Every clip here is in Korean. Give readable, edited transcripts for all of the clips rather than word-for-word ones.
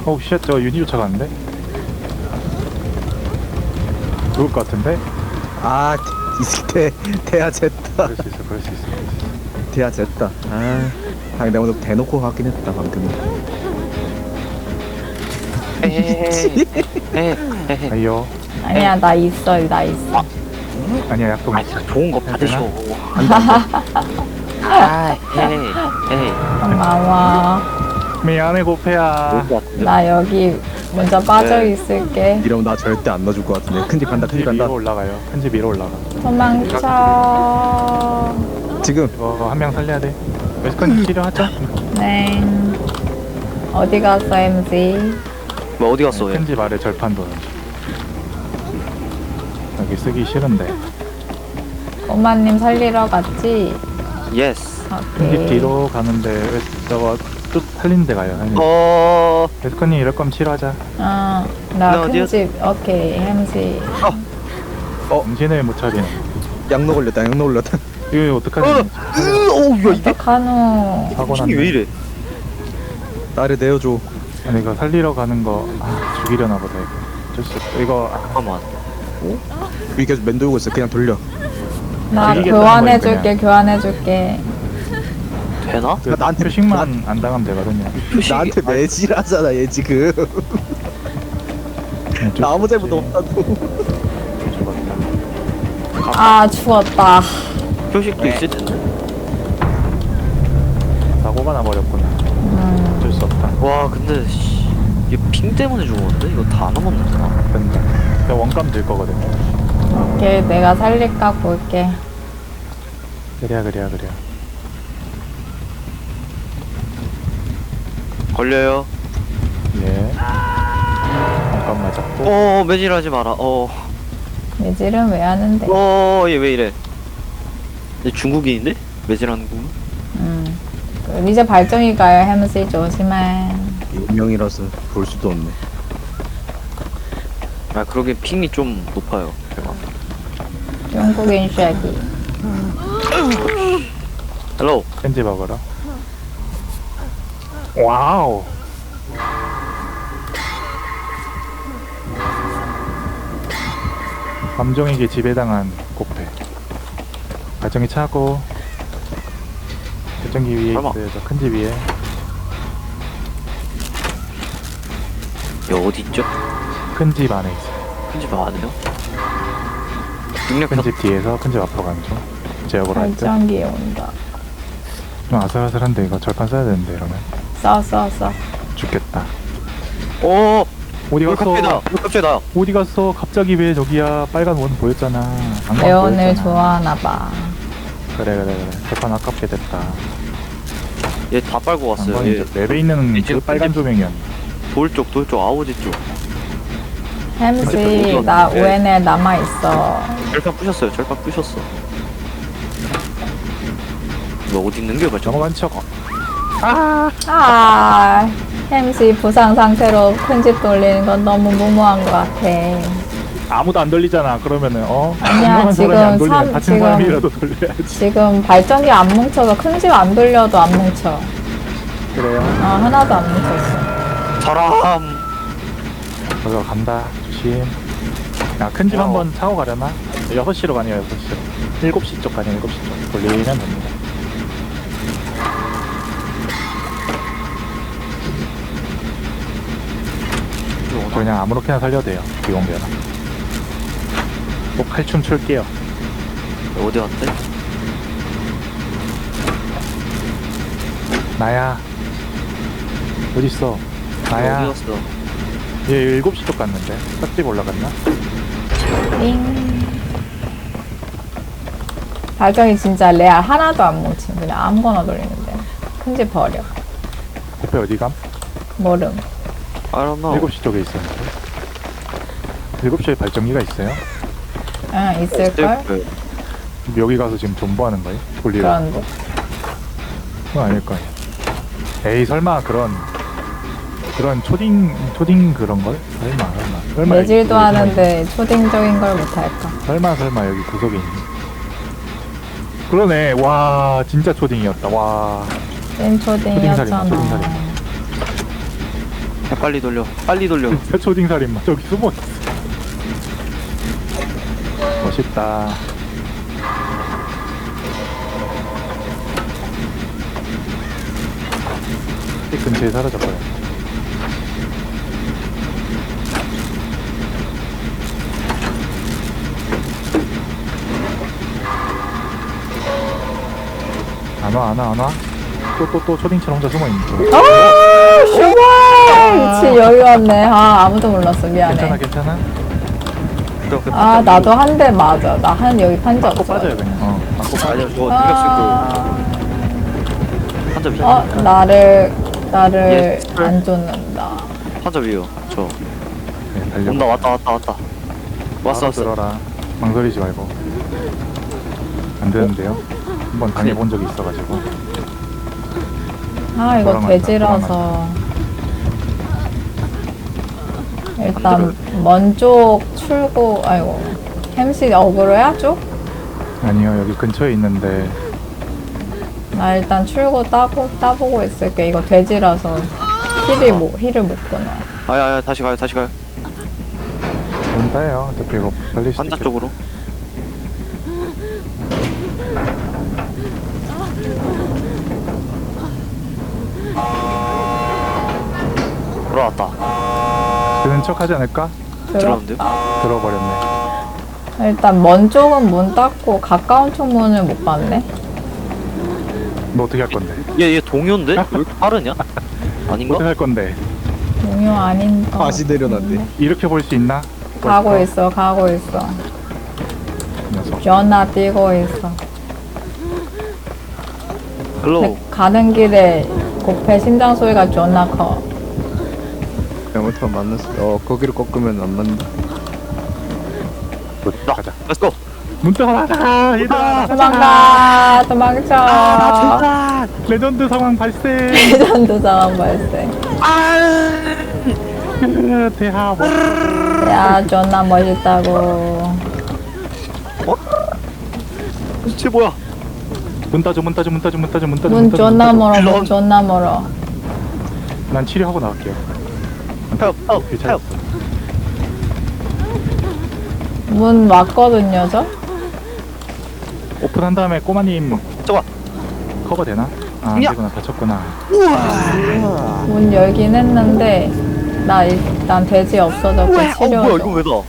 어우 쉣, 저 유니 쫓아가는데? 죽을 것 같은데? 아 대야 쟀다. 그럴 수 있어, 그럴 수 있어. 대야 쟀다. 내가 오늘 대놓고 하긴 했다 방금. 헤헤헤. 아이요. 아니야, 나 있어, 나 있어. 아니야, 약속 아 있어. 진짜 좋은 거 받으셔. 안돼 안돼. 아 헤헤 헤헤. 고마워. 미안해, 고패야. 좋을 것 같은데. 나 여기 먼저 빠져 네. 있을게. 이러면 나 절대 안 넣어줄 것 같은데. 큰집 간다 큰 큰집 집 간다. 위로 올라가요. 큰 집 위로 올라가. 도망쳐. 지금 이거 한 명 살려야 돼. 웨스컨 치료하자. 네. 어디 갔어, MZ? 뭐 어디 갔어 얘? 큰 집 아래 절판 도는 중. 여기 쓰기 싫은데. 엄마님 살리러 갔지? 예스. 큰 집 오케이. 뒤로 가는데 저거 뚝 살리는 데 가요. 웨스컨님 이럴 거면 치료하자. 나 나 어디야? 큰집. 오케이, MZ. 정신을 못 차리네. 양로 걸렸다 양로 걸렸다. 이거 어떡하지? 어우 야 이게 어떡하노. 사고 핑이 왜 났네. 이래? 나를 내어줘. 아니 이거 살리러 가는 거 죽이려나 보다 이거. 어쩔 수 없어. 이거 잠깐만. 여기 계속 맴돌고 있어. 그냥 돌려. 나 죽이겠다는 교환해줄게, 거예요, 교환해줄게. 되나? 그 나한테 표식만 안 당하면 되거든요. 표식이 나한테 매질하잖아 얘 지금. 나 아무 잘못 없다고. 죽었다. 아, 죽었다. 표식도 있을 텐데. 사고가 나버렸구나. 어쩔 수 없다. 와 근데 씨, 이게 핑 때문에 죽었는데 이거 다 남았는구나. 된다. 그냥 원감 들 거거든요. 오케이, 내가 살릴까 볼게. 그래야. 걸려요. 예. 원감 맞았고. 매질하지 마라. 매질은 왜 하는데? 얘 왜 이래? 얘 중국인인데? 매질하는 거? 이제 발정이 가요, 햄스 조심해. 유명이라서 볼 수도 없네. 아 그러게 핑이 좀 높아요. 제가. 중국인 쉐기. 헬로. 펜지 먹으러. 와우. 감정에게 지배당한 코페. 발정이 차고. 발정기 위에 설마. 있어요. 저 큰 집 위에. 얘 어디 있죠? 큰 집 안에 있어요. 큰집 아니에요? 능력 큰 집 뒤에서 큰 집 앞으로 가는 중. 제역으로 할 때. 발정기 온다. 좀 아슬아슬한데 이거 절판 써야 되는데 이러면. 써. 죽겠다. 오. 어디 갔어? 갑자기 나. 어디 갔어? 갑자기 왜 저기야? 빨간 원 보였잖아. 안광 레온을 보였잖아. 좋아하나봐. 그래. 절판 아깝게 됐다. 얘 다 빨고 왔어요. 안광이 얘 맵에 있는 지금 그 빨간 조명이었네. 돌쪽 아우지 쪽. 햄스, 나 ON에 남아있어. 절판 부셨어요. 너 어디 있는 게 맞죠? 넘어간 척. 햄스 부상 상태로 큰집 돌리는 건 너무 무모한 것 같아. 아무도 안 돌리잖아. 그러면은 아니야, 유명한 사람이 안 지금 돌리면 다친 지금- 사람이라도 돌려야지. 지금 발전기 안 뭉쳐서 큰집 안 돌려도 안 뭉쳐. 그래요. 하나도 안 뭉쳤어. 사람. 거기가 간다. 조심. 야, 큰 집 한번 차고 가려나? 6시로 가네요. 6시로. 7시 쪽 가네요. 7시 쪽. 돌리면 됩니다. 저 그냥 아무렇게나 살려도 돼요. 비공개나. 또 칼춤 출게요. 어디 갔대? 나야. 어딨어? 나야. 어디 갔어? 얘 7시 쪽 갔는데. 싹집 올라갔나? 띵. 발정이 진짜 레알 하나도 안 뭉침. 그냥 아무거나 돌리는데. 큰집 버려. 코페 어디 감? 모름. I don't know. 7시 쪽에 있었는데. 7시에 발전기가 있어요? 응, 있을걸? 네. 여기 가서 지금 존버하는 거예요? 돌리러? 그런데. 그건 아닐 거예요. 에이 설마 그런 초딩 그런 걸? 설마 매질도 여기 하는데 초딩적인 걸 못할까? 설마 여기 구석에 있니? 그러네. 와 진짜 초딩이었다. 와 찐 초딩이었잖아. 초딩살이네. 야, 빨리 돌려. 빨리 돌려. 초딩 살인마 저기 숨어 있어. 멋있다. 이 근처에 사라져버려. 안 와. 또 초딩처럼 혼자 숨어 있는 거. 아, 슈발! 미치, 여기 왔네. 아, 아무도 몰랐어. 미안해. 괜찮아? 아, 나도 한 대 맞아. 나 여기 판자 꼭 없어. 빠져요 그냥. 맞고 빠져. 아니야, 저거 아, 능력 한점 위에. 나를 예. 안 쫓는다. 한점 위에요. 저. 네, 달려. 온다, 왔다. 왔어. 들어라. 망설이지 말고. 안 되는데요? 한번 당해본 적이 있어가지고. 아, 이거 돌아간다, 돼지라서. 일단, 먼쪽 출구, 아이고. 햄씨 어그로야, 쪽? 아니요, 여기 근처에 있는데. 나 일단 출구 따보고 있을게. 이거 돼지라서 힐을 못 끊어. 아야, 다시 가요. 문 따요. 어차피 이거 빨리 환자 쪽으로. 돌아왔다. 드는 척 하지 않을까? 들어왔는데요? 들어버렸네. 일단 먼 쪽은 문 닫고 가까운 쪽 문을 못 봤네. 너 어떻게 할 건데? 얘 동요인데? 왜 이렇게 빠르냐? 아닌가? 어떻게 할 건데? 동요 아닌 거. 다시 내려놨네. 이렇게 볼 수 있나? 가고 벌써? 있어. 이 녀석. 전화 뛰고 있어. 헬로. 근데 가는 길에 고패 심장 소리가 존나 커. 잘못하면 만났어. 거기를 꺾으면 안 맞는다. 나. 가자. 렛츠고. 문 따라. 얘들아. 도망가. 레전드 상황 발생. 레전드 상황 발생. 대하. 야, 존나 멋있다고. 쟤 뭐야? 문 따줘. 문 존나 멀어. 문 존나 멀어. 난 치료하고 나갈게요. 헬p. 괜찮았어. 문 왔거든요, 저? 오픈한 다음에 꼬마님 저거. 커버 되나? 아, 안 야. 되구나. 다쳤구나. 문 열긴 했는데 나 일단 돼지 없어졌고 뭐야 이거 치료줘. 왜 나?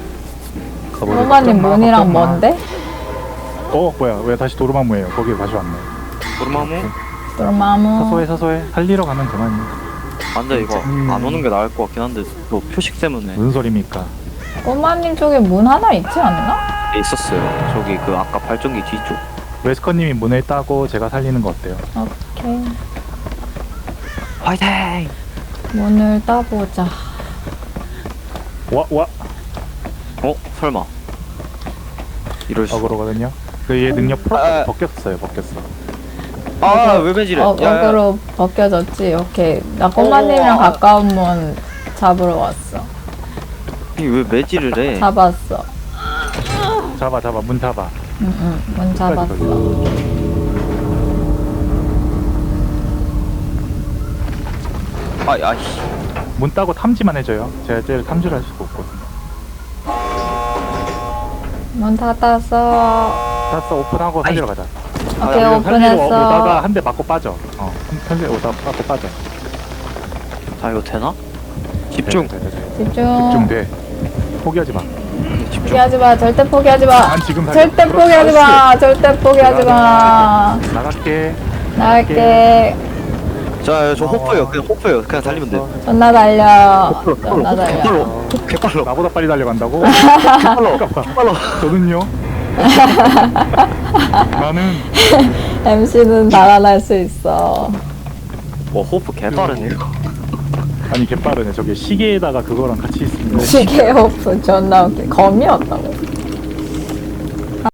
호마님 문이랑 뭔데? 뭐야? 왜 다시 도르마무예요? 거기 다시 왔네. 도르마무? 도르마무. 사소해. 살리러 가면 그만이야. 안돼 이거 안 오는 게 나을 것 같긴 한데 또 표식 때문에 무슨 소리입니까? 호마님 쪽에 문 하나 있지 않나? 있었어요. 저기 그 아까 발전기 뒤쪽. 웨스커님이 문을 따고 제가 살리는 거 어때요? 오케이. 화이팅! 문을 따보자. 와. 어? 설마 이럴 수. 그러거든요. 그 얘 능력 아. 벗겼어. 아 외매질해. 어그로 벗겨졌지? 오케이. 나 꼬마님이랑 가까운 문 잡으러 왔어. 왜 매질을 해? 잡았어. 잡아. 문 잡아. 응, 문 잡았어. 아이씨. 문 따고 탐지만 해줘요. 제가 제일 탐지를 할 수가 없거든요. 문 닫았어. 땄어. 오픈하고 살리러 가자. 오케이, 우리가 살리러 오픈했어. 오다가 한 대 맞고 빠져. 살리러 오다가 맞고 빠져. 아 이거 되나? 집중. 돼. 집중. 집중돼. 포기하지 마. 포기하지 마. 절대 포기하지 마. 난 지금 살려. 절대 포기하지 마. 절대 포기하지 마. 나갈게. 나갈게. 자, 저 호프예요. 그냥 호프예요. 그냥 달리면 돼. 존나 달려. 존나 달려. 개빨로. 개빨로. 나보다 빨리 달려간다고? 개빨로. 저는요? 나는 MC는 달아날 수 있어. 와 호프 개빠르네 이거. 아니 개빠르네. 저게 시계에다가 그거랑 같이 있으면 시계 오프 존나 웃겨. 검이었다고.